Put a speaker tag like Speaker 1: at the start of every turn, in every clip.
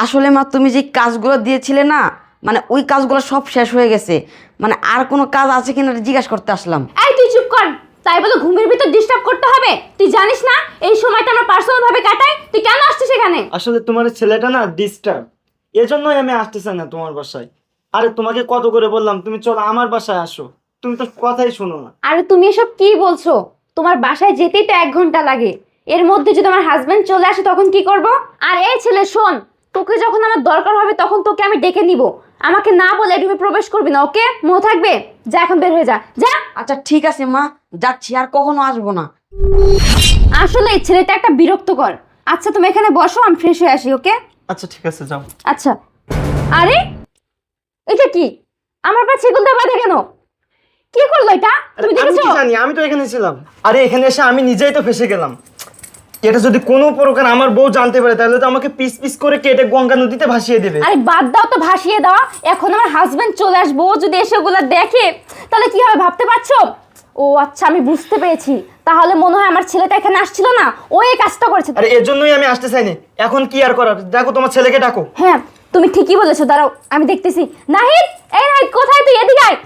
Speaker 1: আসলে মা তুমি যে কাজগুলো দিয়েছিলে না, মানে ওই কাজগুলো সব শেষ হয়ে গেছে। মানে আর কোনো কাজ আছে কিনা জিজ্ঞাসা করতে আসলাম।
Speaker 2: এই তুই চুপ কর। তাই বলে ঘুমের ভিতর ডিস্টার্ব করতে হবে? তুই জানিস না এই সময়টা আমরা পার্সোনাল ভাবে কাটাই? তুই কেন আসছিস এখানে?
Speaker 3: আসলে তোমার ছেলেটা না ডিস্টার্ব, এজন্যই আমি আসতেছি না তোমার বাসায়। আরে তোমাকে কত করে বললাম তুমি চলো আমার বাসায় আসো, তুমি তো কথাই শোনো না।
Speaker 2: আরে তুমি এসব কি বলছো? তোমার বাসায় যেতেই তো 1 ঘন্টা লাগে। এর মধ্যে যদি আমার হাজবেন্ড চলে আসে তখন কি করব? আর এই ছেলে শোন, তোকে যখন আমার দরকার হবে তখন তোকে আমি ডেকে নিব। আমাকে না বলে রুমে প্রবেশ করবি না, ওকে? মনে থাকবে? যা এখন বের হয়ে যা, যা।
Speaker 1: আচ্ছা ঠিক আছে মা, যাচ্ছি, আর কখনো আসবো না।
Speaker 2: আসলে এই ছেলেটা একটা বিরক্তকর। আচ্ছা তুমি এখানে বসো, আমি ফ্রেশ হয়ে আসি, ওকে?
Speaker 3: আচ্ছা ঠিক আছে যাও।
Speaker 2: আচ্ছা। আরে এটা কি? আমার পা ছিগুল দিয়ে বাঁধে কেন? কি করলো এটা?
Speaker 3: আরে
Speaker 2: তুমি
Speaker 3: আমি
Speaker 2: দেখেছো?
Speaker 3: কি জানি, আমি তো এখানে ছিলাম। আরে এখানে এসে আমি নিজেই তো ফেসে গেলাম। এটা যদি কোনো প্রকার আমার বউ জানতে পারে তাহলে তো আমাকে পিস পিস করে কেটে গঙ্গা নদীতে ভাসিয়ে দেবে।
Speaker 2: আরে বাদ দাও তো ভাসিয়ে দেওয়া। এখন আমার হাজবেন্ড চলে আসবো, ও যদি এসে ওগুলা দেখে তাহলে কি হবে ভাবতে পারছো? ও আচ্ছা, আমি বুঝতে পেরেছি। তাহলে মনে হয় আমার ছেলেটা এখানে আসছিল না, ও এই কাজটা করেছে।
Speaker 3: আরে এর জন্যই আমি আসতে চাইনি। এখন কি আর করার, দেখো তোমার ছেলেকে ডাকো।
Speaker 2: হ্যাঁ তুমি ঠিকই বলেছো, দাঁড়াও আমি দেখতেছি। নাহিদ, এই নাহিদ কোথায় তুই? এদিকে আয়।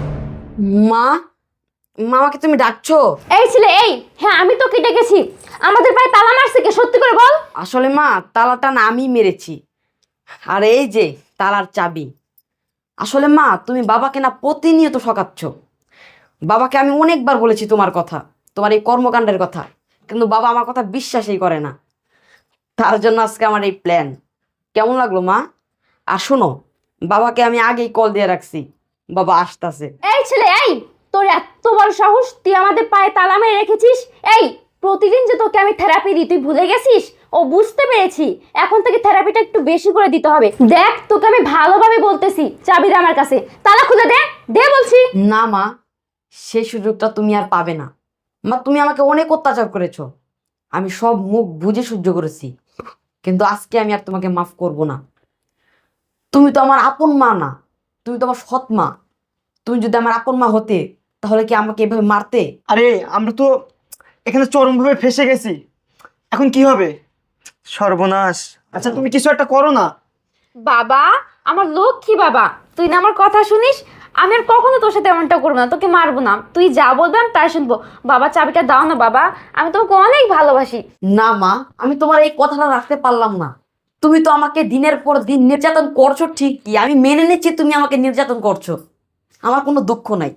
Speaker 1: মা, মামাকে তুমি ডাকছো?
Speaker 2: এই ছেলে এই, হ্যাঁ আমি তোকে ডেকেছি। আমাদের পায়ে তালা মারছে কে? সত্যি করে বল।
Speaker 1: আসলে মা তালাটা না আমি মেরেছি, আর এই যে তালার চাবি। আসলে মা তুমি বাবাকে না প্রতিনিয়ত ঠকাচ্ছ। বাবাকে আমি অনেকবার বলেছি তোমার কথা, তোমার এই কর্মকাণ্ডের কথা, কিন্তু বাবা আমার কথা বিশ্বাসই করে না। তার জন্য আজকে আমার এই প্ল্যান। কেমন লাগলো মা? আর শোনো, বাবাকে আমি আগেই কল দিয়ে রাখছি, বাবা আসতেছে।
Speaker 2: এই ছেলে এই, তোর এত বড় সাহস, তুই আমাদের পায়ে তালা মেরে রেখেছিস? এই প্রতিদিন যে তোকে আমি থেরাপি দিই তুই ভুলে গেছিস? ও বুঝতে পেরেছি, এখন থেকে থেরাপিটা একটু বেশি করে দিতে হবে। দেখ তোকে আমি ভালোভাবে বলতেছি, চাবি দে আমার কাছে, তালা খুলে দে, দে বলছি।
Speaker 1: না মা, সেই সুযোগটা তুমি আর পাবে না। মা তুমি আমাকে অনেক অত্যাচার করেছো, আমি সব মুখ বুঝে সহ্য করেছি, কিন্তু আজকে আমি আর তোমাকে মাফ করব না। তুমি তো আমার আপন মা না, তুমি তো আমার সৎ মা। তুমি যদি আমার আপন মা হতে তাহলে কি আমাকে এভাবে মারতে?
Speaker 3: আরে আমরা তো এখানে চরমভাবে ফেসে গেছি, এখন কি হবে? সর্বনাশ। আচ্ছা তুমি কিছু একটা করো না।
Speaker 2: বাবা, আমার লক্ষ্মী বাবা, তুই না আমার কথা শুনিস। আমি আর কখনো তোর সাথে এমনটা করবো না, তোকে মারবো না। তুই যা বলবে আমি তাই শুনবো। বাবা চাবিটা দাও না বাবা, আমি তোমাকে অনেক ভালোবাসি।
Speaker 1: না মা, আমি তোমার এই কথাটা রাখতে পারলাম না। তুমি তো আমাকে দিনের পর দিন নির্যাতন করছো ঠিকই, আমি মেনে নিচ্ছি তুমি আমাকে নির্যাতন করছো, আমার কোনো দুঃখ নাই,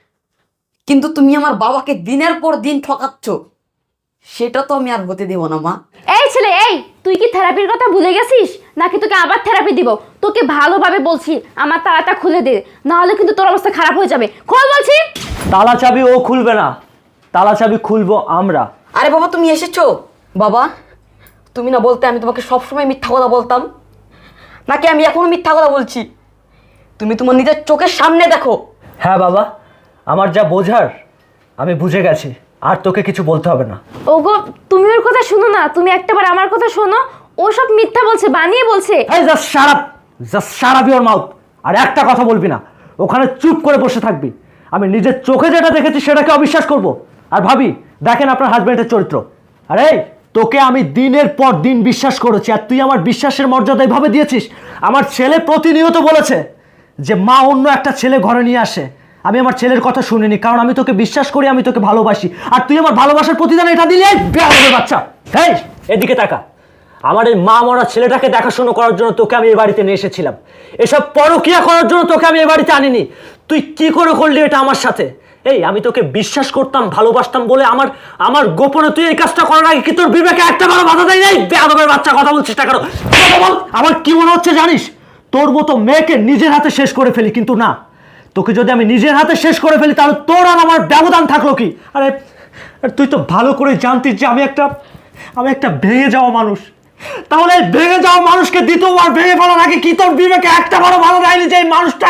Speaker 1: কিন্তু তুমি আমার বাবাকে দিনের পর দিন ঠকাচ্ছ, সেটা তো আমি আর হতে দেব না মা।
Speaker 2: এই ছেলে এই, তুই কি থেরাপির কথা ভুলে গেছিস নাকি তোকে আবার থেরাপি দিব? তোকে ভালোভাবে বলছি আমার তালাটা খুলে দে, না হলে কিন্তু তোর অবস্থা খারাপ হয়ে যাবে। খোল বলছি।
Speaker 4: তালা চাবি ও খুলবে না, তালা চাবি খুলবো আমরা।
Speaker 1: আরে বাবা তুমি এসেছো? বাবা তুমি না বলতে আমি তোমাকে সবসময় মিথ্যা কথা বলতাম, নাকি আমি এখনো মিথ্যা কথা বলছি? তুমি তোমার নিজের চোখের সামনে দেখো।
Speaker 4: হ্যাঁ বাবা, আমার যা বোঝার আমি বুঝে গেছি, আর তোকে কিছু বলতে হবে না।
Speaker 2: ওগো তুমি ওর কথা শুনো না, তুমি একটাবার আমার কথা শোনো। ও সব মিথ্যা বলছে, বানিয়ে বলছে।
Speaker 4: এই just shut up your mouth. আর একটা কথা বলবি না, ওখানে চুপ করে বসে থাকবি। আমি নিজের চোখে যেটা দেখেছি সেটাকে অবিশ্বাস করব? আর ভাবি দেখেন আপনার হাজবেন্ডের চরিত্র। আরে তোকে আমি দিনের পর দিন বিশ্বাস করেছি, আর তুই আমার বিশ্বাসের মর্যাদা এভাবে দিয়েছিস। আমার ছেলে প্রতিনিয়ত বলেছে যে মা অন্য একটা ছেলে ঘরে নিয়ে আসে। আমি আমার ছেলের কথা শুনিনি, কারণ আমি তোকে বিশ্বাস করি, আমি তোকে ভালোবাসি। আর তুই আমার ভালোবাসার প্রতিদান এটা দিলি? এই বেয়াদবের বাচ্চা, এই এদিকে তাকা। আমার এই মা মরা ছেলেটাকে দেখাশোনা করার জন্য তোকে আমি এই বাড়িতে নিয়ে এসেছিলাম, এসব পরকিয়া করার জন্য তোকে আমি এই বাড়িতে আনিনি। তুই কি করে করলি এটা আমার সাথে? এই আমি তোকে বিশ্বাস করতাম, ভালোবাসতাম বলে আমার আমার গোপনে তুই এই কাজটা করার আগে কি তোর বিবেকে একটা বড় বাধা দেয় নাই? বেয়াদবের বাচ্চা, কথা বলছিস না কেন? বল। আমার কি মনে হচ্ছে জানিস, তোর মতো মেয়েকে নিজের হাতে শেষ করে ফেলি, কিন্তু না, তোকে যদি আমি নিজের হাতে শেষ করে ফেলি তাহলে তোর আর আমার ব্যবধান থাকলো কি? আরে তুই তো ভালো করে জানতিস যে আমি একটা ভেঙে যাওয়া মানুষ। তাহলে এই ভেঙে যাওয়া মানুষকে দ্বিতীয়বার ভেঙে ফেলার আগে কি তোর বিবেকে একটা বড় ভালো দেয়নি যে এই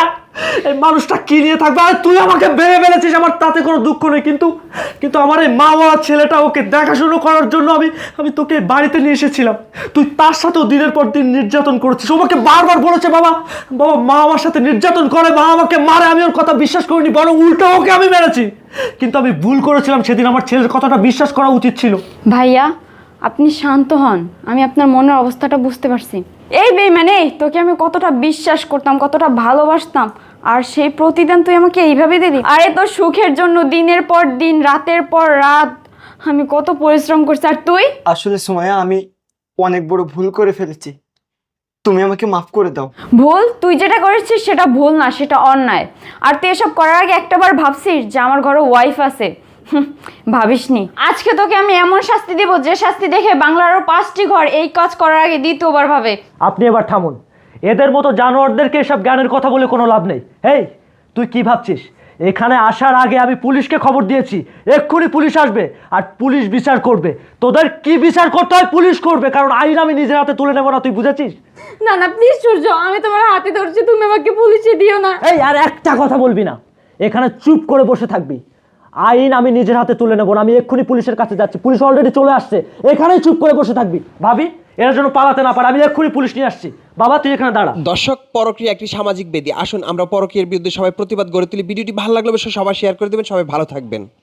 Speaker 4: মানুষটা কি নিয়ে থাকবে? আর তুই আমাকে ভেঙে ফেলেছিস, আমার তাতে কোনো দুঃখ নেই, কিন্তু আমার এই মা বাবার ছেলেটা, ওকে দেখাশুনো করার জন্য আমি তোকে বাড়িতে নিয়ে এসেছিলাম। তুই তার সাথেও দিনের পর দিন নির্যাতন করেছিস। ও আমাকে বারবার বলেছে বাবা মা আমার সাথে নির্যাতন করে, মা আমাকে মারে। আমি ওর কথা বিশ্বাস করিনি, বরং উল্টো ওকে আমি মেরেছি। কিন্তু আমি ভুল করেছিলাম, সেদিন আমার ছেলের কথাটা বিশ্বাস করা উচিত ছিল।
Speaker 2: ভাইয়া আপনি শান্ত হন, আমি আপনার মনের অবস্থাটা বুঝতে পারছি। এই বেইমানে, তোকে আমি কতটা বিশ্বাস করতাম, কতটা ভালোবাসতাম, আর সেই প্রতিদান তুই আমাকে এইভাবে দিলি। আরে তোর সুখের জন্য দিনের পর দিন, রাতের পর রাত আমি কত পরিশ্রম করছি, আর তুই?
Speaker 3: আসলে সুমাইয়া, আমি অনেক বড় ভুল করে ফেলেছি, তুমি আমাকে মাফ করে দাও।
Speaker 2: ভুল? তুই যেটা করেছিস সেটা ভুল না, সেটা অন্যায়। আর তুই এসব করার আগে একটাবার ভাবছিস যে আমার ঘরে ওয়াইফ আছে? ভাবিসনি। আজকে তোকে আমি এমন শাস্তি দেব যে শাস্তি দেখে বাংলার আরো 5টি ঘর এই কাজ করার আগে দ্বিতীয়বার ভাবে।
Speaker 4: আপনি এবার থামুন। এদের মতো জানোয়ারদেরকে এসব জ্ঞানের কথা বলে কোনো লাভ নেই। হেই, তুই কি ভাবছিস? এখানে আসার আগে আমি পুলিশকে খবর দিয়েছি, এক্ষুনি পুলিশ আসবে আর পুলিশ বিচার করবে। তোদের কি বিচার করতে হয় পুলিশ করবে, কারণ আইন আমি নিজের হাতে তুলে নেবো না, তুই বুঝেছিস?
Speaker 2: না না প্লিজ সূর্য, আমি তোমার হাতে ধরছি, তুমি আমাকে পুলিশে দিও না।
Speaker 4: এই, আর একটা কথা বলবি না, এখানে চুপ করে বসে থাকবি। আইন আমি নিজের হাতে তুলে নেবো না, আমি এক্ষুনি পুলিশের কাছে যাচ্ছি, পুলিশ অলরেডি চলে আসছে, এখানেই চুপ করে বসে থাকবি। ভাবি, এরা যেন পালাতে না পারে, আমি এক্ষুনি পুলিশ নিয়ে আসছি। বাবা, তুই এখানে দাঁড়া।
Speaker 5: দর্শক, পরকীয়া একটি সামাজিক বেদি। আসুন আমরা পরকীয়ার বিরুদ্ধে সবাই প্রতিবাদ গড়ে তুলি। ভিডিওটি ভালো লাগলে অবশ্যই সবাই শেয়ার করে দেবেন। সবাই ভালো থাকবেন।